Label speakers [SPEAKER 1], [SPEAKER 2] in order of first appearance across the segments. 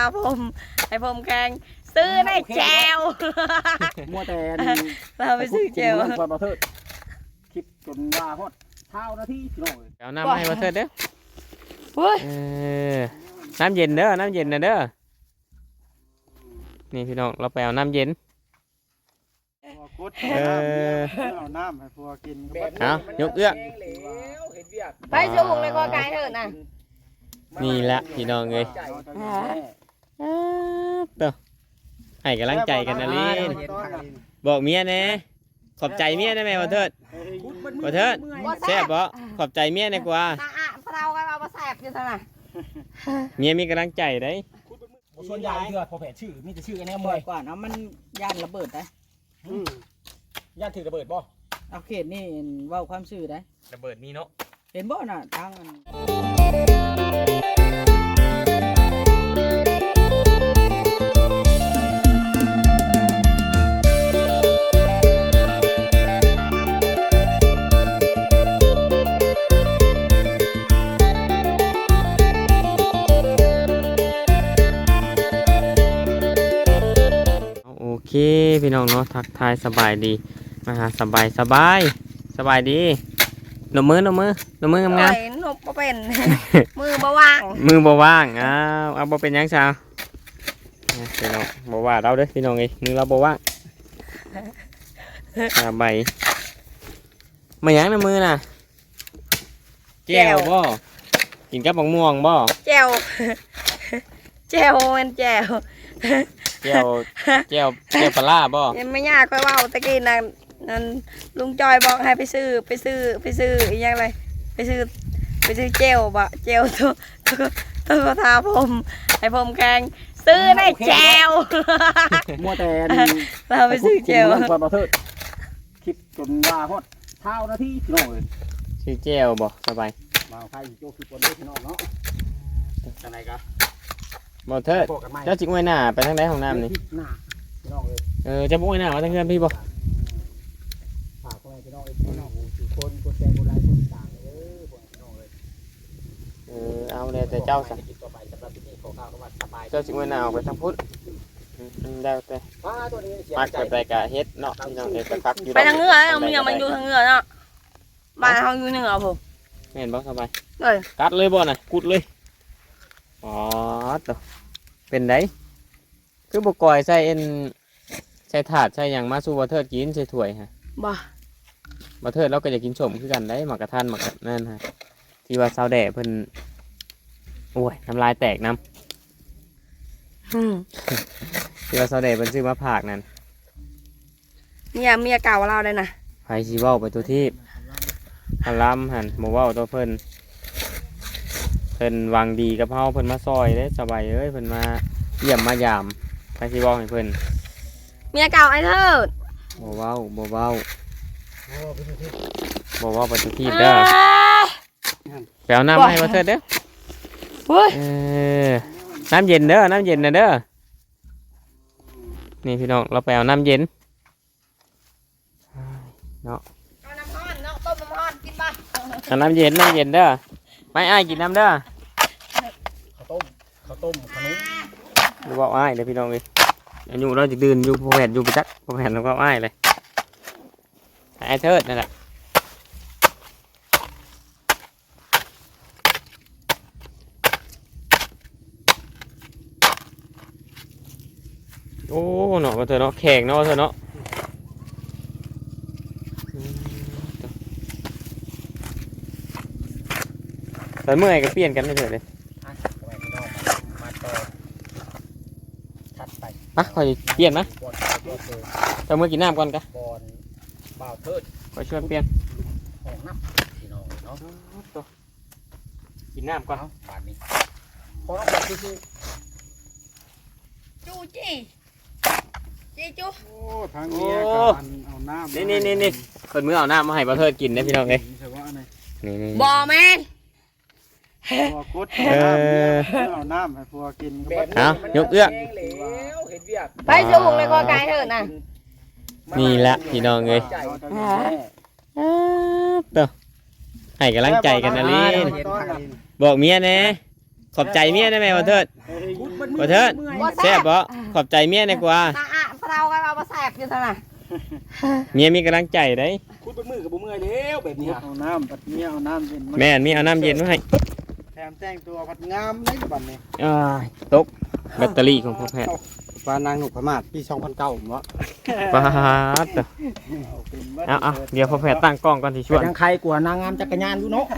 [SPEAKER 1] ผมให้ผมแข่งซื้อได้แจว
[SPEAKER 2] มัวแต่
[SPEAKER 1] เราไปซื้อแจว
[SPEAKER 2] ก่อนบ่เถิดคลิปจนว่าฮอดเท่านาทีพี่น้องเอ้ย
[SPEAKER 3] เอาน้ำมาให้บ่เถิดเด้อ
[SPEAKER 1] เฮ้ย
[SPEAKER 3] น้ำเย็นเด้อน้ำเย็นนะเด้อนี่พี่น้องเราไปเอาน้ำเย็น
[SPEAKER 2] เอาน้ำให้พวกกิน
[SPEAKER 3] เอายกเอื้อ
[SPEAKER 1] ไปสูงเลยก็ไกลเถอะนะ
[SPEAKER 3] นี่ละพี่น้องเอ้ยเด้อให้กำลังใจกันนะลินบอกเมียแน่ขอบใจเมียได้ไหมบ่เถิดบ่เถิดแซ่บบ่ขอบใจเมียได้กว่า
[SPEAKER 1] เราก็เอามาแสบอยู่เท่านั้น
[SPEAKER 3] เมียมีกำลังใจได้
[SPEAKER 2] ส่วนใหญ่เถื่อพอแผลชื่อมีแต่ชื่ออันนี้ม
[SPEAKER 4] บ่
[SPEAKER 2] ว
[SPEAKER 4] อย ยกว่าเนาะมันย่านระเบิดได้
[SPEAKER 2] ย่านถือระเบิดบ่
[SPEAKER 4] เอาเขตนี่เว้าความซื่อได้
[SPEAKER 3] ระเบิดมีเนาะ
[SPEAKER 4] เห็นบ่น่ะทางอัน
[SPEAKER 3] โอเคพี่น้องเนาะทักทายสบายดีมาหาสบายดีหนมมืองาม
[SPEAKER 1] นบบ่เป็น มือบ่ว่าง
[SPEAKER 3] มือบ่ว่างเอาบ่เป็นหยังชาวพี่น้องบ่ว่าเราเด้อพี่น้องเอ้ยมือเราบ่ว่างสบายมาหยังในมือน่ะแก้วบ่กินกับบักม่วงบ่
[SPEAKER 1] แจวแจวมันแจว
[SPEAKER 3] แก้วปลาร้าบ่
[SPEAKER 1] ยังไม่ยากค่อยเว้าตะกี้นั่นลุงจอยบอกให้ไปซื้ออีกอย่างไรไปซื้อเจลบะเจลตัวทาผมให้ผมแข่งซื้อได้แจว
[SPEAKER 2] มัวแต่
[SPEAKER 1] เราไปซื้อเจล
[SPEAKER 2] ก่อนบ่เถิดคลิปจนว่าฮอดเท่านาทีพี่น้องเอ้ย
[SPEAKER 3] ชื่อแก้วบ่สบาย
[SPEAKER 2] มาใครโจคือคนเด้อพี่น้องเนาะจังไดก็
[SPEAKER 3] บ่เถิด
[SPEAKER 2] พบกันใหม่
[SPEAKER 3] เจ้าจิกไว้หน้าไปทางใดห้องน้ำนี่
[SPEAKER 2] หน้าพี่น้องเอ้ย
[SPEAKER 3] เจ้าบ่ไว้หน้ามาทางเฮือนพี่บ่
[SPEAKER 2] ฝากคนพี่น้องเอ้ยพี่น้องทุกคนกดแชร์กดไลค์กดติดตามเด้อพี่น้องเอ้ย
[SPEAKER 3] เอาเลยแต่เจ้าซะ
[SPEAKER 2] ต่อไปสำหรับที่นี่ขอข่าวก็ว่าสบาย
[SPEAKER 3] เจ้าจิกไว้หน้าออกไปทางพุทธได้แต่
[SPEAKER 2] ตัวนี้เสีย
[SPEAKER 3] มัก
[SPEAKER 2] ใจ
[SPEAKER 3] ไปกะเฮ็ดเนาะพี่น้องเอ้ยไปพักอยู่
[SPEAKER 1] ไปทางเหนือเอาเมียมันอยู่ทางเหนือเนาะบ้านเขาอยู่เหนือผม
[SPEAKER 3] แม่นบ่สบาย
[SPEAKER 1] เอ้ย
[SPEAKER 3] กัดเลยบ่น่ะกุดเลยอ๋อตัวเป็นไดคือบ่ก่อยใส่ใส่ถาดใส่หยังมาสู่บ่เทิดกินใส่ถ้วยฮะ
[SPEAKER 1] บ่
[SPEAKER 3] บ่เทิดเราก็อยากกินส้มคือกันได้หมักกระทันหมักกะนั่นฮะที่ว่าสาวแด่เพิ่นโอ้ยน้ำลายแตกน้ำที่ว่าสาวแด่เพิ่นซื้อมาผากนั่น
[SPEAKER 1] เมียเก่าเราเลยนะ
[SPEAKER 3] ไผสิเว้าไปตัวที่พลำหั่นบ่เว้าตัวเพิ่นหวังดีกับเฮาเพิ่นมาซอยเด้สบายเอ้ยเพิ่นมาเยี่ยมมายามไผสิเว้าให้เพิ่น
[SPEAKER 1] เมียเก่าไอ้เทิด
[SPEAKER 3] บ่เว้าไปตัวที่เด้อไปเอาน้ำมาให้บ่เทิดเด้อ
[SPEAKER 1] เฮ้ย
[SPEAKER 3] น้ำเย็นเด้อนะเด้อนี่พี่น้องเราไปเอาน้ำเย็นเนาะ
[SPEAKER 1] เอาน้ำร้อนเนาะต้มน้ำร้อนกินป่ะ
[SPEAKER 3] เอาน้ำเย็นเด้อไม่อ้ายกินน้ำเด้อ
[SPEAKER 2] ข้าวต้มขนม
[SPEAKER 3] หรือว่าอ้ายเด้อพี่น้องเอ้ยอายุเราจะดื่นอยู่พอแผ่นอยู่ไปจักพอแผ่นแล้วก็อ้ายเลยไอ้เทิดนั่นแหละโอ้เนาะเธอเนาะแข็งเนาะเธอเนาะแต่เมื่อไหร่ก็เปลี่ยนกันไม่เถอะเลย
[SPEAKER 2] อ่ะเอาไว้พี่น้องมาต่อถัดไป
[SPEAKER 3] มาคอยเปลี่ยนนะ
[SPEAKER 2] บอลเจอ
[SPEAKER 3] จะเมื่อกินน้ำก่อนกะ
[SPEAKER 2] บอลบ่าวเทิด
[SPEAKER 3] คอยชวนเปลี่ยน
[SPEAKER 2] ห้องน้ำพี่น้องเนาะ
[SPEAKER 3] กินน้ำก่อน
[SPEAKER 2] เอาบาทนี้พอต้องบอกคือ
[SPEAKER 1] จูจี้จู
[SPEAKER 2] โอ้ทางเมียกันเอาน้ำ
[SPEAKER 3] นี่เปิดมือเอาน้ำมาให้บ่เทิดกินนะพี่น้องเอ้ย
[SPEAKER 2] ใช่ว่าอะไร
[SPEAKER 3] นี่
[SPEAKER 1] บ่แมน
[SPEAKER 2] พวกกุดเอาน้ำให้พวกกิน
[SPEAKER 3] เอายกเอื้อ
[SPEAKER 1] ไปสูงเลยก็ไกลเถอะนะ
[SPEAKER 3] นี่แหละพี่น้องเอ้ยตัวให้กำลังใจกันนะลินบอกเมียแน่ขอบใจเมียได้ไหมบ่เทิดบ่เถิดแซ่บบ่ขอบใจเมียดีกว่า
[SPEAKER 1] ตาอ่ะพะเรากันเอามาแสบอยู่ซั่นน่ะ
[SPEAKER 3] เมียมีกำลังใจได้
[SPEAKER 2] คุดเป็นมือกับบ่เมื่อยแล้วแบบนี้
[SPEAKER 4] เอาน้ำปัดเมียเอาน้ำเย็นมา
[SPEAKER 3] แม่นมีเอาน้ำเย็นมาให้
[SPEAKER 2] แถมแต่งตัวผัดงามเลยบัดนี้
[SPEAKER 3] อ้ายตกแบตเตอรี่ของพ่อแพทย์
[SPEAKER 2] ปลานางหนุกพม่าปี2009ผมว่า
[SPEAKER 3] ปาดเด้อเอาเดี๋ยวพ่อแพทย์ตั้งกล้องก่อนสิชวน
[SPEAKER 2] ยังใครกว่านางงามจักรยานอยู่เนาะ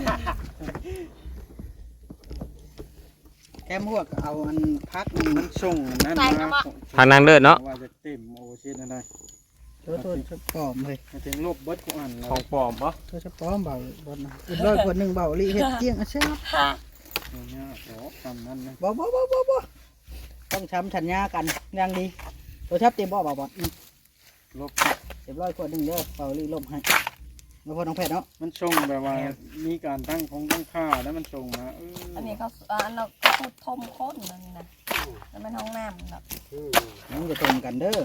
[SPEAKER 4] แก้มพวกเอาอันพักมันส่งนั่น
[SPEAKER 1] ใส่นะบ่
[SPEAKER 3] ทางนางเลิศเนาะ
[SPEAKER 2] ว่าจะเต็มโอเชียนอะไร
[SPEAKER 4] โทษชอบปลอมเลย
[SPEAKER 2] มาถึงลบเบิดกูอ่าน
[SPEAKER 3] ของปลอมบ่
[SPEAKER 4] โทษชอบปลอมเบาบอลนะอีกร้อยคนหนึ่งเบาลีเฮ็ดเกี้ยงอ่ะใช่ไหม
[SPEAKER 2] เนี่ยโอ้ทำนั่นนะ
[SPEAKER 4] บ่ต้องช้ำชัญญากันอย่างดีตัวชับเต็มบ่บ่บ่
[SPEAKER 2] ลบ
[SPEAKER 4] เต็มร้อยคนหนึ่งเด้อเบาลีลมให้มาพอน้องแพทย์เนาะ
[SPEAKER 2] มันส่งแบบว่ามีการตั้งของตั้งค่าแล้วมันส่งมา
[SPEAKER 1] อันนี้เขาอันเราก็ทมข้นนั่นนะแล้วมันห้องน้ำแบบ
[SPEAKER 4] มันจะตรงกันเด้อ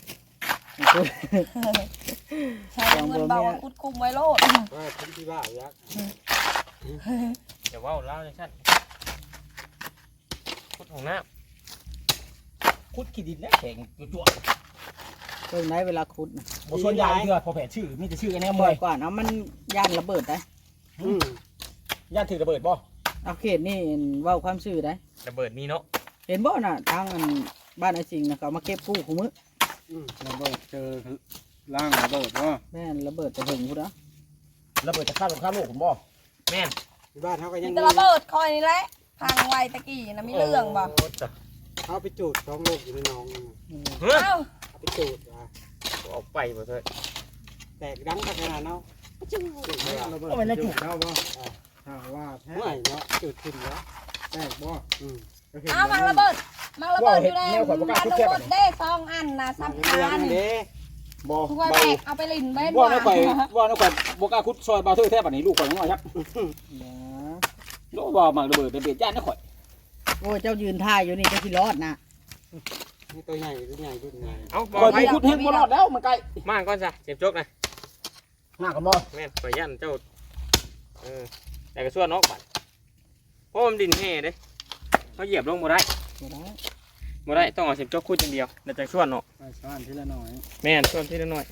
[SPEAKER 1] ใช้เงินเบาคุดคุมไว้โลด
[SPEAKER 2] ว่าทิ้งที่บ้ายักษ์
[SPEAKER 3] เดี๋ยวว่าเล่าจังซั่นพุดของน้
[SPEAKER 2] คุดขี้ดินนะแข็งจั่ว
[SPEAKER 4] เพิ่งได้เวลาขุดนะ
[SPEAKER 2] ๆบ่ส่วนใหญ่เพื่อพอแผลชื่อมีแต่ชื่อไอ้แน่ม
[SPEAKER 4] บ่
[SPEAKER 2] ว
[SPEAKER 4] อย ยกว่านะมันย่านระเบิดได้
[SPEAKER 2] ย่านถือระเบิดบ่
[SPEAKER 4] เอาเขตนี่เว่าความซื่อได้
[SPEAKER 3] ำระเบิดมีเนาะ
[SPEAKER 4] เห็นบ่น่ะทางอันบ้านไอ้สิงห์นะเขามาเก็บกู้ของมื้อ
[SPEAKER 2] ระเบิดเจอล่างระเบิดบ่
[SPEAKER 4] แม่นระเบิดจะถึงพุ่นนะ
[SPEAKER 2] ระเบิดจะฆ่าสงครามโลกผมบ่
[SPEAKER 3] แม่น
[SPEAKER 2] ที่บ้านเขาก็ยั
[SPEAKER 1] มี
[SPEAKER 2] ง
[SPEAKER 1] แต่ระเบิดคอยนี่แหละพังไวตะกี้นะมีเรื่องบ่
[SPEAKER 3] โอ้จ้ะ
[SPEAKER 2] เขาไปจูดท้องโลกอยู่ในน้อง
[SPEAKER 3] เฮ้ย
[SPEAKER 1] เอ้า
[SPEAKER 2] เขาไปจูด
[SPEAKER 3] ออกไปบ่เถิด
[SPEAKER 2] แตกดังขนาดเนาะจูดระเบิดมันจูดแล้วบ่ถ้าว่าแท้เนาะจูดขึ้นแล้วแตกบ่
[SPEAKER 1] เอ้ามังระเบิดอยู่ในมันระเบิดได้ซองอันนะซับคาน
[SPEAKER 2] บ่
[SPEAKER 1] ทุกคนแบกเอาไปลินเบ้น
[SPEAKER 2] ว่าน้อยข่อยว่าน้อยข่อยบ่กล้าคุดซอยบาเทอร์แท้บัดนี้ลูกข่อยน้อยครับ
[SPEAKER 4] นะ
[SPEAKER 2] โลบ่มักระเบิดเป็นเบียดย่านนะข่อย
[SPEAKER 4] โอ้ยเจ้ายืนท่ายอยู่นี่จะสิรอดนะ
[SPEAKER 2] นี่ตัวใหญ่ตัวใหญ่ตัวใหญ่
[SPEAKER 3] เอาบ
[SPEAKER 2] ข่
[SPEAKER 3] อ
[SPEAKER 2] อย
[SPEAKER 3] ก
[SPEAKER 2] ไปคุดเฮงบ่รอดแล้วมันไกล
[SPEAKER 3] มาก่อนจ้ะเจ็บจกนะ
[SPEAKER 2] หน้ากันบ่
[SPEAKER 3] แม่นข่อยยันเจ้าแต่ก็ส่วนนอกบัดเพราะมันดินแห่เด้เขาเหยียบลงบ่ได้
[SPEAKER 4] บ่ได้
[SPEAKER 3] บ่ได้ต้องเอาเจ็บจกคุดอย่างเดียวแล้วจังส่วนเนาะ
[SPEAKER 2] ไปซ่อนทีละหน่อย
[SPEAKER 3] แม่นส่วนทีละน้อย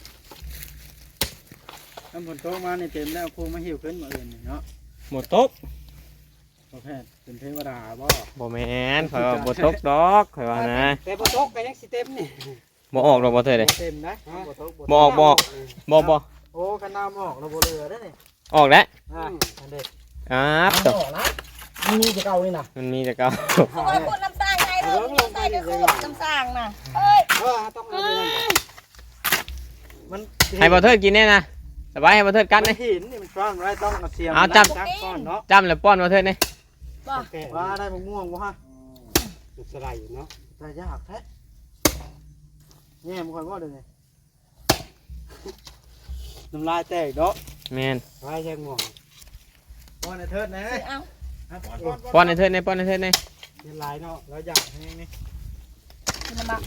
[SPEAKER 2] น้ำฝนตกมานี่เต็มแล้วคงมาหิวขึ้นมาอื่นเนาะ
[SPEAKER 3] หมดตก
[SPEAKER 2] พอแพทย์เป็นเทวดาบ่
[SPEAKER 3] บ่แม่นข่อยว่าบ่ตกดอกข่อยว่านะ
[SPEAKER 2] แต่บ่ตกก็ยังสิเต็มนี่
[SPEAKER 3] บ่ออกดอกบ่เถิดเด้
[SPEAKER 2] เต็มนะบ่ตก
[SPEAKER 3] บ่ออกบ่บ่
[SPEAKER 2] โอ้กันน้ำออกเราบ่เหลือได้นี่
[SPEAKER 3] ออกแล้ว
[SPEAKER 2] อันเด็ด
[SPEAKER 3] ต
[SPEAKER 2] ออกนะมีจะเก่านี่นะ
[SPEAKER 3] มันมีแต่เก่า
[SPEAKER 1] ทุกคนพูดน้ำสร้างไงเถอะมีใส่กระสุนน้ำสร้างน่ะเอ้ย
[SPEAKER 2] ต้องเอาไปนั่นมัน
[SPEAKER 3] ให้บ่เถิดกินแน่นะสบายให้บ่เถิดกัดเลย
[SPEAKER 2] หินนี่มันซ่อนไว้ต้องเอาเสียม
[SPEAKER 3] เอาจับ
[SPEAKER 2] ซ่อนเนาะ
[SPEAKER 3] จำแล้วป้อนบ่เถิดนี่
[SPEAKER 1] บ่
[SPEAKER 2] ว่าได้มะม่วงบ่ฮะจุดสไลด์เนาะแต่ยากแท้แง่มันค่อยว่าเด้อนี่น้ำลายแตกเนาะ
[SPEAKER 3] แม่น
[SPEAKER 2] ลายแยงม่วงป้อนไอ้เทิดนะ
[SPEAKER 1] เอ้า
[SPEAKER 3] ป้อนให้เถิดนี่ป้อนให้เถิดนี่
[SPEAKER 2] นี่ลายเนาะแล้วอยากให้นี่
[SPEAKER 1] กินน้ำบัก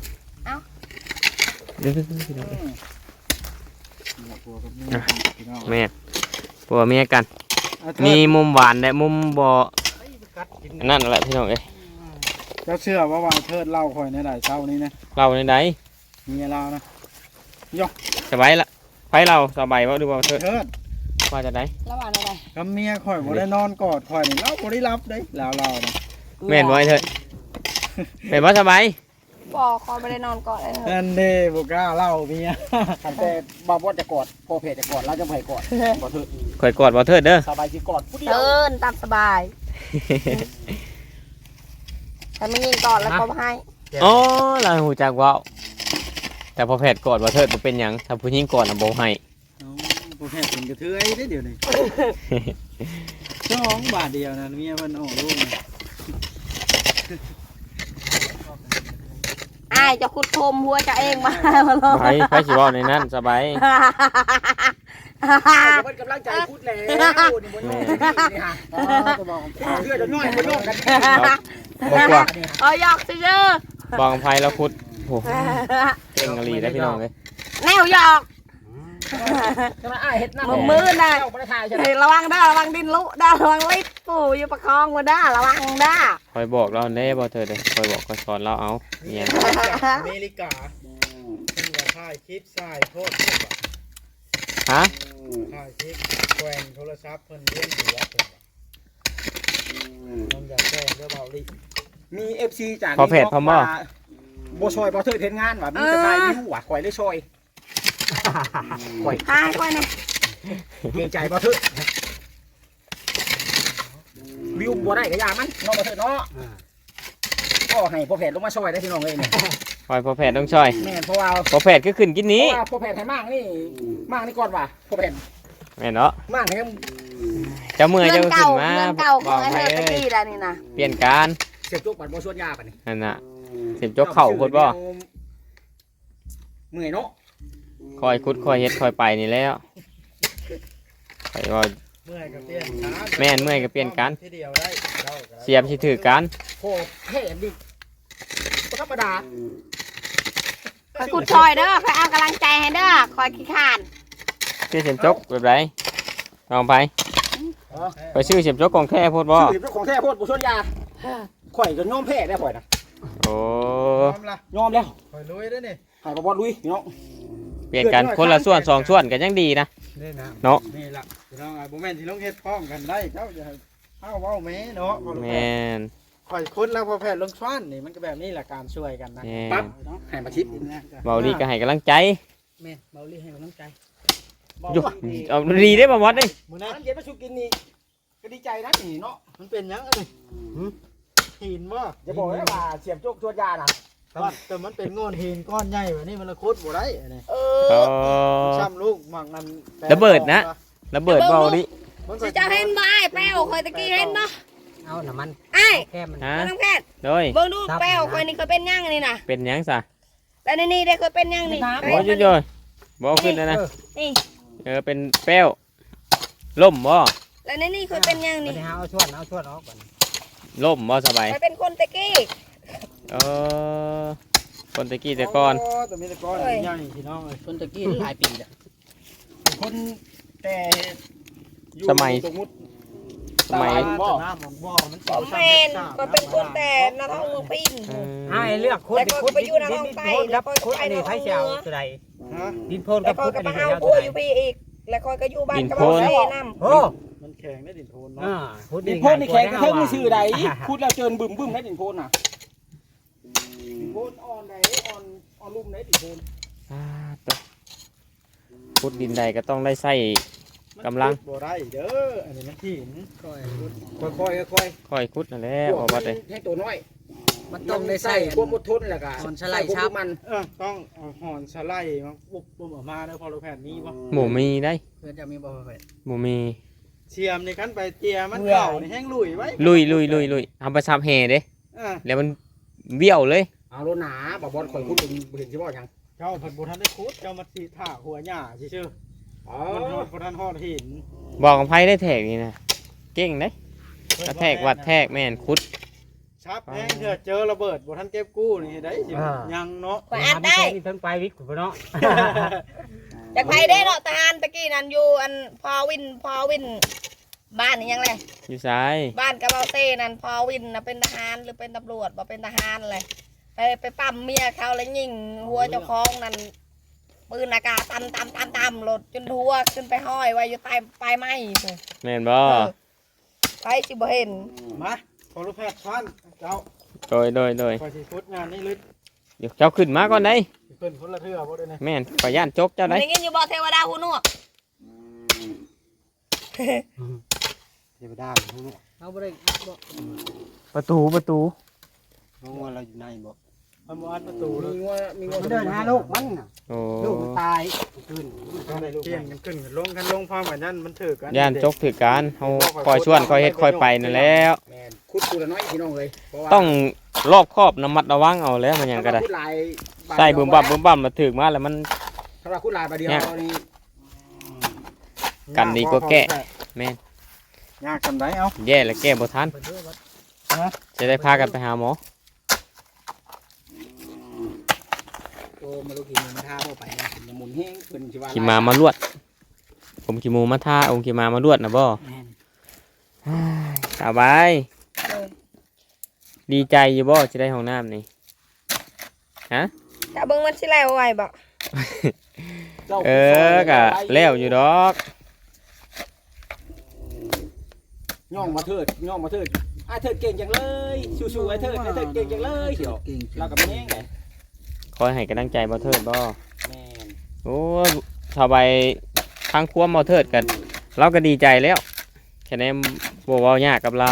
[SPEAKER 3] เดี๋ยว แม่นผัวเมียกัน มีมุมหวานและมุมบ่อันนั่นแหละพี่น้องเอ้ย
[SPEAKER 2] เจ้าเชื่อว่าว่าเทิดเล่าคอยในหลายเช้านี้นะ
[SPEAKER 3] เราในใด
[SPEAKER 2] มีเล่านะ
[SPEAKER 3] สบายละไผเราสบายบ่ดูบ่เถิด
[SPEAKER 2] เทิด
[SPEAKER 3] ว่าจะได้
[SPEAKER 1] ระหว่างอะไร
[SPEAKER 2] กับเมียคอยบ่ได้นอนกอดคอยนี่เราบ่ได้รับเด้แล้วเรานะ
[SPEAKER 3] แม่นบ่ไอ้เถิดแม่นบ่สบาย
[SPEAKER 1] บ่คอยไม่ได้นอนก่อนเลยเถอะ
[SPEAKER 2] นั่นเด้บ่กล้าเล่าเมียคันแต่บ่บ่จะกอดพอเพจจะกอดเราจะบ่ให้กอดบ่เถิด
[SPEAKER 3] ข่อยกอดบ่เถิดเด้อ
[SPEAKER 2] สบายสิกอดผู้เดียว
[SPEAKER 1] เดินตามสบายแต่ไม่ยิงก่อนแล้วก็ให้
[SPEAKER 3] อ๋อเราหูจักเว้าแต่พอแพทย์กอดบ่เถิดบ่เป็นหยังถ้าผู้หญิงกอดน่ะบ่ให้
[SPEAKER 2] พอเพจเป็นกระเทยได้เดี๋ยวนี้2 บาทเดียวนะเมียเพิ่นออกลูกนะ
[SPEAKER 1] อ้ายจะขุดโคมหัวจะเองมาเลย
[SPEAKER 3] ไปสิเว้าในนั้นสบาย
[SPEAKER 2] เพิ่นกำลังใจพูดแล้วนี่บ่น้อยนี่ฮะก็บอกเพื่อจะน้อยบ่น้องกัน
[SPEAKER 3] บ่กว่า
[SPEAKER 1] เอาหยอกซื่อ
[SPEAKER 3] บอกอภัยแล้วคุดโอ้เก่งอลีได้พี่น้องเลย
[SPEAKER 1] แนวหยอก
[SPEAKER 4] จะมาอ้ายเฮ็ดน้ำ
[SPEAKER 1] มือน่ะ
[SPEAKER 4] เจ้าบ่ได้ถ่ายใช่ไหม
[SPEAKER 1] เฮ้ยระวังด้าระวังดินลุด้าระวังลิดปู่อยู่ประคองมาด้าระวังด้า
[SPEAKER 3] คอยบอกเราเน่บ่เธอเด้คอยบอกคอยสอนเราเอาเนี่ย
[SPEAKER 2] อเมริกาเป็นว่าถ่ายคลิปสายโทษเพิ่นว่า
[SPEAKER 3] ฮะ
[SPEAKER 2] ถ่ายคลิปแกว่งโทรศัพท์เพิ่นเลี้ยงหัวเพิ่นว่าต้องอยากแกล้งเด้อเบาลิ
[SPEAKER 4] มี FC จาก
[SPEAKER 3] พอเพจพอหม้อ
[SPEAKER 4] บ่ช่วยบ่เทิดเฮ็ดงานว่ะมีแต่ถ่ายวิวว่ะข่อยเลยช่วยข่อย
[SPEAKER 1] ตายก่อนนะ
[SPEAKER 4] เกรงใจบ่เทิดวิวบ่ได้ก็อย่ามันเนาะบ่เทิดเนาะก็ให้พ่อแพทย์ลงมาช่วยได้พี่น้องเอ้ยเนี่ย
[SPEAKER 3] คอยพอแผดต้องช่อย
[SPEAKER 4] แม่นเพราะว่า
[SPEAKER 3] พอแผดก็ขึ้นกินนี้
[SPEAKER 4] พ่อแพทย์ให้มากนี่ก่อนว่ะพ่อแพทย์
[SPEAKER 3] แม่นเนาะ
[SPEAKER 4] มากให้
[SPEAKER 3] เจ้าเมื่อยเจ้าขึ้นมา
[SPEAKER 1] เงินเก่าข
[SPEAKER 3] บ
[SPEAKER 1] อ
[SPEAKER 3] อง ก
[SPEAKER 1] ไอ้
[SPEAKER 3] ให้
[SPEAKER 1] เธอตะ
[SPEAKER 3] เอ้ย
[SPEAKER 1] กี้แล้วนี่นะ
[SPEAKER 3] เปลี่ยนการ
[SPEAKER 4] เสียบจุกบัดบ่ชวนยาปะนี่
[SPEAKER 3] นั่นน่ะเสียบจกเข่าโคตรบ่
[SPEAKER 4] เมื่อยเนาะ
[SPEAKER 3] คอยคุดคอยเฮ็ดคอยไปนี่แล้วคอยว่า
[SPEAKER 2] เมื่อยก็เปลี่ยนช้า
[SPEAKER 3] แม่นเมื่อยก็เปลี่ยนกัน
[SPEAKER 2] ทีเดียวได้เจ้าก็ได้
[SPEAKER 3] เสียบสิถือกัน
[SPEAKER 4] โหแท้ดิบ่ธรรมดา
[SPEAKER 1] คอยขุดซอยเด้อคอยเอากำลังใจให้เด้อคอยขี้ขาน
[SPEAKER 3] ชื่อเสียบจกแบบไรลองไปไปชื่อเสียบจกของแท้โพดบ่
[SPEAKER 4] ชื่อของแท้โพดบ่ชวนยาข่อยก็ยอมแพ้ได้ข่อยนะ
[SPEAKER 3] โอ้
[SPEAKER 2] พร้อมละ
[SPEAKER 4] ยอมแล้ว
[SPEAKER 2] คอยลุยด้วยนี่
[SPEAKER 4] ให้บ่บ่ลุยพี่น้อง
[SPEAKER 3] เปลี่ยนกันคนละส่วนสองส่วนกันยังดีนะ
[SPEAKER 2] นี่นะ
[SPEAKER 3] เนาะ
[SPEAKER 2] นี่ล่ะพี่น้องไอ้บ่แม่นที่ลงเฮ็ดพร้อมกันได้เจ้าจะเฮาเว้าแม่เนาะ
[SPEAKER 3] แม่น
[SPEAKER 2] ข่อยคุ้นแล้วพอแพทย์ลงช้อนนี่มันก็แบบนี้แหละการช่วยกันนะ
[SPEAKER 3] แม่
[SPEAKER 4] ปั๊บ
[SPEAKER 3] น
[SPEAKER 4] ให้มาชิด
[SPEAKER 3] เบาดีก็ให้กำลังใจ
[SPEAKER 2] แม่เบาลี่ให้กำลังใจ
[SPEAKER 3] อยู่เอาดีได้บ่มดเด้
[SPEAKER 2] มื้อ
[SPEAKER 4] น้
[SPEAKER 2] นั้น
[SPEAKER 4] ำเย็นมาชูกินนี่ก็ดีใจนะนี่เนาะ
[SPEAKER 2] มันเป็นหยังเอ้ยหินบ่
[SPEAKER 4] อย่าบอกนะว่าเสียบจุกชวนยานะ
[SPEAKER 2] แต่มันเป็นงอนหินก้อนใหญ่แบบนี้มันละคุดบ่ได้อันนี้
[SPEAKER 4] เอ
[SPEAKER 3] อ๋อ
[SPEAKER 2] ช้ำลูกหมักนั้น
[SPEAKER 3] ระเบิดนะ ระเบิดเบาดิ
[SPEAKER 2] มัน
[SPEAKER 1] สิจะเห็นบ่ไอ้แป้วคอยตะกี้เห็นบ่
[SPEAKER 4] เอาน้ำมัน
[SPEAKER 1] ไอ้
[SPEAKER 4] แก้มัน
[SPEAKER 3] ฮะ
[SPEAKER 1] น้องแพทย์
[SPEAKER 3] โดย
[SPEAKER 1] เบิ่งดูแป้วคอยนี่เคยเป็นยังนี่นะ
[SPEAKER 3] เป็นหยังซะ
[SPEAKER 1] แล้วนี่ได้เคยเป็นยังนี่
[SPEAKER 3] โอ้ยโยยบ่เอาขึ้นนะนะ
[SPEAKER 1] นี่
[SPEAKER 3] เป็นแป้วล่มบ่
[SPEAKER 1] แล้วนี่เคยเป็นยังนี่
[SPEAKER 4] เอาชวนออกก่อน
[SPEAKER 3] ล่มบ่สบาย
[SPEAKER 1] เคยเป็นคนตะกี้
[SPEAKER 3] เออคนตะกี้แต่ก่อน
[SPEAKER 2] แต่มีแต่ก้อนใหญ่พี่น้องเอ้ย
[SPEAKER 4] คนตะกี้หลายปีแล้วคนแต่อยู่
[SPEAKER 3] สมัย
[SPEAKER 4] สมมุติ
[SPEAKER 3] สมัย
[SPEAKER 2] บ่น้ำของบ่มัน
[SPEAKER 1] ผมแมนก็เป็นคนแต่นาท้องเมืองพิน
[SPEAKER 4] เลือกคุด
[SPEAKER 1] แต่ก็ไปอยู่ในห้องใต้แล้วก็ไปในห้องเมือง
[SPEAKER 4] ตัวใด
[SPEAKER 2] ฮะ
[SPEAKER 4] ดินโพน
[SPEAKER 1] แล้
[SPEAKER 4] กั
[SPEAKER 1] ว
[SPEAKER 4] บ
[SPEAKER 1] ก็
[SPEAKER 4] คุด
[SPEAKER 1] ก็
[SPEAKER 4] อัน
[SPEAKER 1] มา
[SPEAKER 4] นี้
[SPEAKER 1] เอา
[SPEAKER 4] ตั
[SPEAKER 1] ตัว ว
[SPEAKER 4] ใด
[SPEAKER 1] อยู่พี่อีก แล้วก็อยู่บ้านกับ
[SPEAKER 3] ดินโพน
[SPEAKER 1] เซ่น้ำ
[SPEAKER 4] โอ้
[SPEAKER 2] มันแข็งได้ดินโทน
[SPEAKER 4] อ่า
[SPEAKER 2] เนาะ
[SPEAKER 4] คุด
[SPEAKER 5] ดินโพนนี่แข็งกระเทิงนี่ชื่อใดพูดแล้วเจินบึ้มบึ้มได้ดินโพนน่ะดินโพนอ่อนไหนอ่อนลุ่มไหนดินโพน
[SPEAKER 3] อ่าตัวขุดดินใดก็ต้องได้ใส่ กำลัง
[SPEAKER 2] บ่ได้เด้ออันนี้มันหินค่อย
[SPEAKER 5] ค่อยๆค่อย
[SPEAKER 3] ค่อยขุดนั่นแหละ
[SPEAKER 5] ๆ
[SPEAKER 3] บ่ว่าแต่
[SPEAKER 5] ให้ตัวน้อย
[SPEAKER 4] มันต้องได้ใส่
[SPEAKER 5] ความอดทนแหละก็
[SPEAKER 4] อ่อนสไลด์
[SPEAKER 5] ใส่ความ
[SPEAKER 4] ชับ
[SPEAKER 5] มัน
[SPEAKER 2] ต้องเอาหอนสไลด์มาปุ๊บปุ๊บออกมาเด้อพอเราแผ่นนี้บ่
[SPEAKER 3] หมูมีได้
[SPEAKER 4] เพื่อนจะมีบ่เผ็ด
[SPEAKER 3] หมูมี
[SPEAKER 2] เชียมในขั้นไปเตียมันเก่านี่แห้งลุยไว้
[SPEAKER 3] ลุยเอาไปซับแห่เด้
[SPEAKER 2] อ่า
[SPEAKER 3] แล้วมันเบี้ยวเลย
[SPEAKER 5] เอาโลหนาบ่บอลข่อยพูดเป็นเห็นสิบ่ยัง
[SPEAKER 2] เจ้าผัดบุทันได้คุดเจ้ามาสีถ่าหัวหญ้าชื่อ
[SPEAKER 5] อ๋อ
[SPEAKER 2] มันฮอดบุทันฮอดหิน
[SPEAKER 3] บอกของไผได้แทกนี่นะเก่งเด้กระแทกวัดแทกแม่นขุด
[SPEAKER 2] ชับแห้งเถอะเจอระเบิดบุทันเก็บกู้นี่ได้สิยังเนาะ
[SPEAKER 1] ข่อยอ่านได้
[SPEAKER 4] เพิ่งไปวิกคุณเนาะ
[SPEAKER 1] จากไผได้เนาะทหารตะกี้นั่นอยู่อันพอวินบ้านนี่ยังไง
[SPEAKER 3] อยู่ซ้าย
[SPEAKER 1] บ้านกระเบาเต้นั่นพอวินน่ะเป็นทหารหรือเป็นตำรวจบ่เป็นทหารเลยไปปั๊มเมียเขาแล้วยิงหัวเจ้าของนั่นปืนอากาศตำรถจนหัวขึ้นไปห้อยไว้อยู่ใต้ปลายไม้พุ่น
[SPEAKER 3] แม่นบ่
[SPEAKER 1] ไปสิบ่เห็น
[SPEAKER 2] มาพอลูกแพทย์ฟันเจ้า
[SPEAKER 3] โดย
[SPEAKER 2] คอยสิคุดงานนี่ลึก
[SPEAKER 3] เดี๋ยวเจ้าขึ้นมาก่อนได้
[SPEAKER 2] เพิ่นคนละเทื่อบ่ได้นะ
[SPEAKER 3] แม่นขอย่านจกเจ้าได้
[SPEAKER 1] ได้ยินอยู่บ่เทวดาหูหนวก
[SPEAKER 2] เทวดาฮู้
[SPEAKER 4] เอาบ่ได้บ่
[SPEAKER 3] ประตู
[SPEAKER 2] ฮู้ว่าเราอยู่ในบ่มันบ่อัดประตูเลย
[SPEAKER 5] มีงัว
[SPEAKER 4] มันเดินหาลูกมันน่ะ
[SPEAKER 3] โอ้
[SPEAKER 4] ลูกมันตายขึ้น
[SPEAKER 2] เที่ยงกันขึ้นกันลงกันลงพร้อมกันนั่นมันถือกัน
[SPEAKER 3] ย่านจกถือการเฮาคอยชวนคอยเฮ็ดคอยไปนั่นแหล้ว
[SPEAKER 5] แม่นคุดตัวละน้อยพี่น้องเลยเพราะว่า
[SPEAKER 3] ต้องรอบครอบระมัดระวังเอาแล้วมันหยังก็ได้
[SPEAKER 5] คุดลาย
[SPEAKER 3] ใส่บึ้มบั่มมาถึกมาแล้วมัน
[SPEAKER 5] ถ้าว่าคุดลายบาดเดียวนี่
[SPEAKER 3] กันดีกว่าแก้
[SPEAKER 2] ยากกันได้เอา
[SPEAKER 3] แย่แล้วแก้บ่ทันจะได้พากันไปหาหมอ
[SPEAKER 5] โอ้มาลูกกินมาท่าเข้าไปนะอย่าหมุนแห้งเพิ่นสิว่า
[SPEAKER 3] ขี่มามาลวด ผมขี่หมูมาท่าองค์ขี่มามาลวดนะบ่
[SPEAKER 5] แม่น
[SPEAKER 3] สบายดีใจอยู่บ่จะได้ห้องน้ำนี่
[SPEAKER 1] ถ้าเบิ่งมันสิแล้วไว้บ่
[SPEAKER 5] เจ้า
[SPEAKER 3] กะแล้วอยู่ดอก
[SPEAKER 5] ย่องมาเถิดไอ้เถิดเก่งจังเลยสู้ๆไอ้เถิดเก่งจังเลยเดี๋ยวเรากับแม่งไง
[SPEAKER 3] คอยให้กำลังใจบ่เทิดบ่
[SPEAKER 5] แม่น
[SPEAKER 3] โอ้สบายทางครัวบ่เทิดกัน เราก็ดีใจแล้ว แค่นี้บ่เว้ายากกับเรา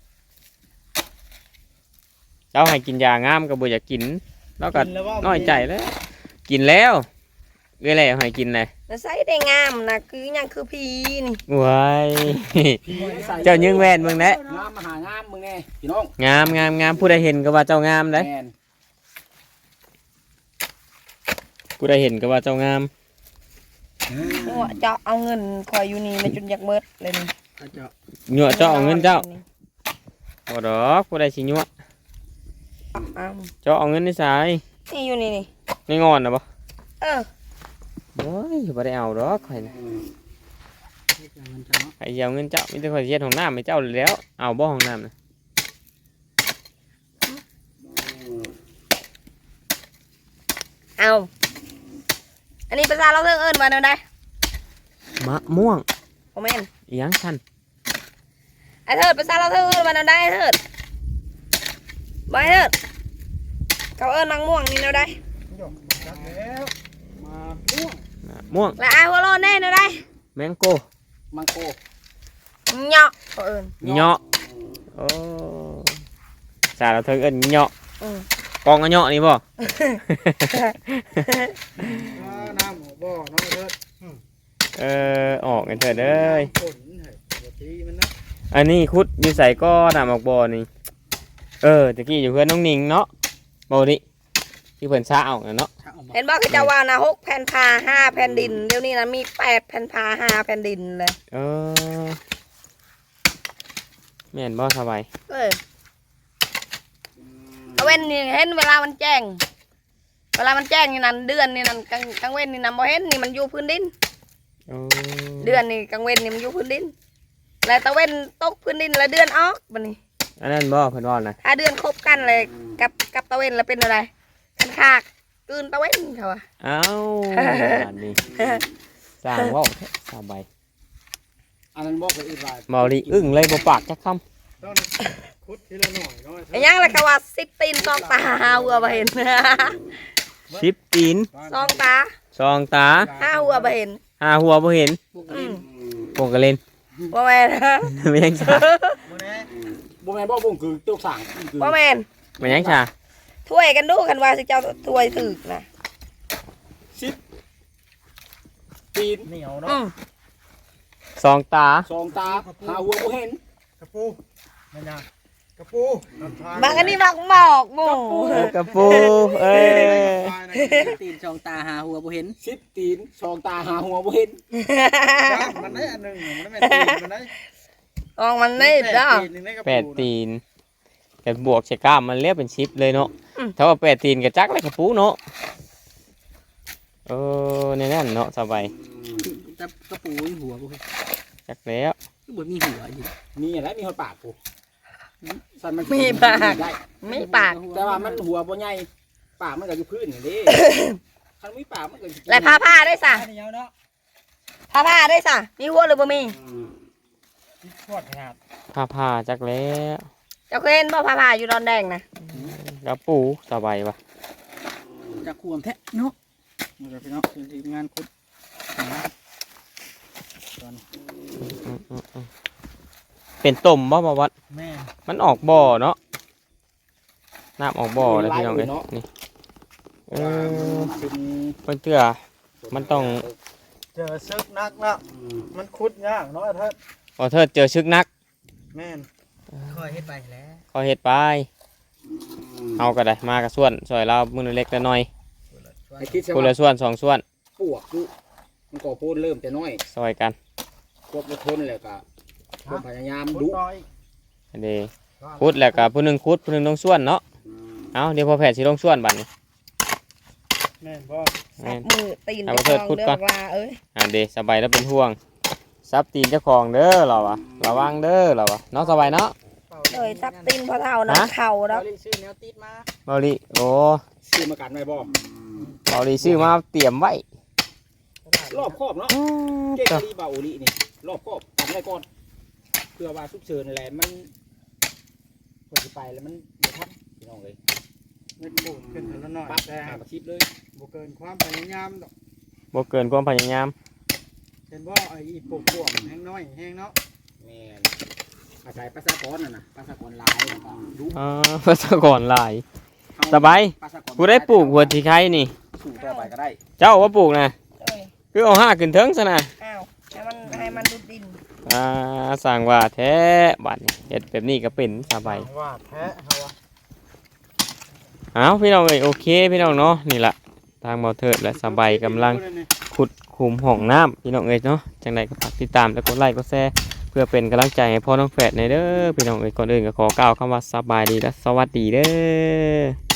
[SPEAKER 3] เจ้าให้กินยางามก็บ่อยากกินเราก็น้อยใจแล้ว กินแล้วเอ้ยแล้วให้กินเลย
[SPEAKER 1] น่ะใส่ได้งามนะคือหยังคือพีนี่
[SPEAKER 3] ว้ายเจ้ายิงแว่นมึงแหละ
[SPEAKER 5] งามมาหางามมึงแน่พี่น้อง
[SPEAKER 3] งามผู้ใดเห็นก็ว่าเจ้างามเด้
[SPEAKER 5] แม่น
[SPEAKER 3] ผู้ใดเห็นก็ว่าเจ้างาม
[SPEAKER 1] หัวเจาะเอาเงินคอยอยู่นี่ในจุดอยากเบิดเลยนี่
[SPEAKER 3] หยั่วเจ้าเอาเงินเจ้าบ่ดอกผู้ใดสิหยั่ว
[SPEAKER 1] เอา
[SPEAKER 3] เจ้าเอาเงินในสาย
[SPEAKER 1] นี่อยู่นี่นี่
[SPEAKER 3] ในงอนน่ะบ่
[SPEAKER 1] เออ
[SPEAKER 3] โอ้ยบ่ได้เอาดอกข่อยน่ะไอ้สิเอาเงินเจ้ามีแต่ข่อยสิเฮ็ดห้องน้ำให้เจ้าแล้ว เอาบ่ห้องน้ำน่ะ
[SPEAKER 1] เอาอันนี้ภาษาเราเอิ้นว่าแนวใด
[SPEAKER 3] มะม่วง
[SPEAKER 1] บ่แม่น
[SPEAKER 3] อีหยังคั่น
[SPEAKER 1] ไอ้เถิดภาษาเราเอิ้นว่าแนวใดไอ้เถิดบ่ไอ้เถิดเขาเอิ้นนางม่วงนี่แนวใด
[SPEAKER 2] แล้วมาม่วง
[SPEAKER 3] มะม่วง
[SPEAKER 1] และไอ้หัวโลนแน่แนวใด
[SPEAKER 3] แมงโก้
[SPEAKER 5] มังโก
[SPEAKER 1] เหยาะเขาเอิ้น
[SPEAKER 3] เหยาะโอ้สาเราเทิงเอิ้นเหยาะ
[SPEAKER 1] อืม
[SPEAKER 3] กองอะเหยาะนี่บ่
[SPEAKER 2] น้ำหัวบ่อน้องเถิด
[SPEAKER 3] ออกกันเถิดเอ้ย
[SPEAKER 2] ฝนเฮ้ยปกติมันนะ
[SPEAKER 3] อันนี้คุดอยู่ใส่ก็น้ำออกบ่อนี่ตะกี้อยู่เพื่อนน้องนิงเนาะบ่ดิที่เพิ่นช้าเอาน่ะเนาะ
[SPEAKER 1] เห็นบ่เขาจะว่านะ6แผ่นผ้า5แผ่นดินเดี๋ยวนี้นะมี8แผ่นผ้า5แผ่นดินเลย
[SPEAKER 3] แม่นบ่สบาย
[SPEAKER 1] เออเอาเว้นนี่เห็นเวลามันแจ้งนี่นั่นเดือนนี่นั่นกลางเว้นนี่นั่นบ่เห็นนี่มันอยู่พื้นดิน เดือนนี่กลางเว้นนี่มันอยู่พื้นดินแล้วตะเว้นตกพื้นดินแล้วเดือนออกบัดนี้
[SPEAKER 3] อันนั้นบ่เพิ่นว่าน่ะ
[SPEAKER 1] ถ้าเดือนคบกันเลยกับตะเว้นแล้วเป็นอะไรกันคากกลืนตะเว้นเขาว่า
[SPEAKER 3] เอ้าอันนี้สร้างเว้าแท้สบาย
[SPEAKER 5] อันนั้นบอกไปอีกว่า
[SPEAKER 3] เมาดิอึ้งเลยบ่ปากจักคำ
[SPEAKER 2] ต้องคุดทีละหน่อยน้อย
[SPEAKER 1] ไอ้ยังล่ะเขาว่า10ตีนซองตาหัวบ่เห็น
[SPEAKER 3] 10ตีน
[SPEAKER 1] ซองตา
[SPEAKER 3] ซองตา
[SPEAKER 1] 5หัวบ่เห็น
[SPEAKER 3] 5หัวบ่เห็น
[SPEAKER 1] อืม
[SPEAKER 3] พวกก็เล่น
[SPEAKER 1] บ่แม่น
[SPEAKER 3] ไม่ยังชา
[SPEAKER 5] บ่แม่นบ่บุ้งคือตัวสั่งคือ
[SPEAKER 1] บ่แม่น
[SPEAKER 3] ไม่ยังชา
[SPEAKER 1] ถ้วยกันดูกันว่าสิเจ้าถ้วยถึกนะ
[SPEAKER 5] ตีน
[SPEAKER 2] เหนียว
[SPEAKER 1] อื
[SPEAKER 2] เนาะ
[SPEAKER 1] ม
[SPEAKER 3] ซองตา
[SPEAKER 5] สองตาหาหัวบ่เห็น
[SPEAKER 2] กระปูมันยังกระปูน้ำทาน
[SPEAKER 1] บางอันนี้มักหมอกหมู
[SPEAKER 3] กระปูเอ้ย
[SPEAKER 4] ตีนช่องตาหาหัวบ่เห็น
[SPEAKER 5] 10ตีนสองตาหาหัวบ่เห็น
[SPEAKER 2] มันได้อันหนึ่งมันไม่ตีมันได้
[SPEAKER 1] ออกมันนี่เด้อ
[SPEAKER 3] 8ตีนแต่บวกใส่กล้ามมันเรียกเป็น10เลยเนาะถ้าว่า8ตีนก็จักเลยกระปูเนาะในนั้นเนาะสบาย
[SPEAKER 4] จับกระปูหัวบ่เห็น
[SPEAKER 3] จักแล้ว
[SPEAKER 4] คือบ่มีหัวอยู่
[SPEAKER 5] มีอะไรมีหัวปากกูสั่นมัน
[SPEAKER 1] มีปาก
[SPEAKER 5] ได้
[SPEAKER 1] ไม่ปาก
[SPEAKER 5] แต่ว่ามันหัวบ่ใหญ่ปากมันก็อยู่พื้นนี่เด้คันมีปากมันก็สิ
[SPEAKER 1] และผ้าได้สะ
[SPEAKER 2] เหนียวเนาะ
[SPEAKER 1] ผ้าได้สะมีหัวหรือบ่มี
[SPEAKER 2] ขวดขนาด
[SPEAKER 3] ผ้าจักแล้ว
[SPEAKER 1] เจ้าเคยเห็นบ่ผ้าอยู่ดอนแดงนะ
[SPEAKER 3] กระปูสบายปะ
[SPEAKER 4] จะควมแท้เนาะ
[SPEAKER 5] มันก็พี่น้องทีมงานคุด
[SPEAKER 3] เป็นต้มบ่มาวัด
[SPEAKER 2] แม่
[SPEAKER 3] มันออกบ่อเนาะน้ำออกบ่อเลยพี่น้องเอ้ยนี่
[SPEAKER 5] เป็น
[SPEAKER 3] มันเตื้อมันต้อง
[SPEAKER 2] เจอซึกนักแล้วมันคุดยากเนาะเถิด
[SPEAKER 3] พอเทิดเจอชึกนัก
[SPEAKER 2] แม่น
[SPEAKER 4] ค่อยเฮ็ดไปแล้ว
[SPEAKER 3] เขาเฮ็ดไปเอาก็ได้มากระส่วนซอยเรามือเล็กแต่น้อย
[SPEAKER 5] ไอ้คิด
[SPEAKER 3] คน
[SPEAKER 5] ว่า
[SPEAKER 3] ละส่วน2ส่วน
[SPEAKER 5] ปวกอยู่มันก็พูดเริ่มแต่น้อย
[SPEAKER 3] ซอยกัน
[SPEAKER 5] ควบอดทนแล้วก็ความพยายาม
[SPEAKER 2] คุด
[SPEAKER 5] ดุ
[SPEAKER 2] น้อย
[SPEAKER 3] อันนี้คุดแล้วก็ผู้หนึงคุดผู้หนึงต้องส่วนเนาะเอาเดี๋ยวพอแผดสิลงส่วนบัดนี้
[SPEAKER 2] แม่นบ่
[SPEAKER 1] สับมือตีนเจ้าของเลือกลาเอ้ย
[SPEAKER 3] เดสบายแล้วเป็นห่วงซับตีนเจ้าของเด้อเราอะระวังเด้อเราอะเนาะสบายเนาะ
[SPEAKER 1] เลยสับตีนพอเท่านะเข่าแล้ว
[SPEAKER 5] ซื้อแนวติดมา
[SPEAKER 3] เบาลีโอ้
[SPEAKER 5] ซื้อมากันไว้บ่
[SPEAKER 3] เบาลีซื้อมาเตรียมไว้
[SPEAKER 5] รอบครอบเนาะเจ๊กะลีบาโอลีนี่รอบครอบกันไว้ก่อนเพื่อว่าฉุกเฉินอะไรมันพอสิไปแล้วมันบ่ทันพี่น้องเอ้ย
[SPEAKER 2] เม็ดปูดขึ้นเท่านั้นหน่อย
[SPEAKER 5] ปั๊บ
[SPEAKER 2] แต่
[SPEAKER 5] หาคลิปเลย
[SPEAKER 2] บ่เกินความพยายามดอก
[SPEAKER 3] บ่เกินความพยายาม
[SPEAKER 2] เห็นบ่ไอ้อีปกพวกแห้งน้อยแห้งเนาะ
[SPEAKER 5] แม่นอาศัยประชากรน่ะนะประชากรหลายแล้วก็ดู
[SPEAKER 3] ภาษากรหลาย สบาย
[SPEAKER 5] ประชากร
[SPEAKER 3] กูได้ปลูกหัวที่ไข่นี่
[SPEAKER 5] สู่ต่อไปก็ได้
[SPEAKER 3] เจ้าว่าปลูกนะ
[SPEAKER 1] เอ้ย
[SPEAKER 3] คือเอาห้าขึ้นเทิงซะนะ
[SPEAKER 1] อ้าวให้มันดูดดิน
[SPEAKER 3] สั่งว่าแท้บัดนี้เฮ็ดแบบนี้ก็เป็นสบาย
[SPEAKER 2] ว่าแท้เฮาว่า
[SPEAKER 3] เอาพี่น้องเอ้ยโอเคพี่น้องเนาะนี่ล่ะทางเบาเทิดและสบายกำลังขุดขุมห้องน้ำพี่น้องเอ้ยเนาะจังใดก็ฝากติดตามและกดไลค์กดแชร์เพื่อเป็นกำลังใจให้พ่อน้องแฝดในเด้อพี่น้องเอ้ยก่อนอื่นก็ขอกล่าวคำว่าสบายดีและสวัสดีเด้อ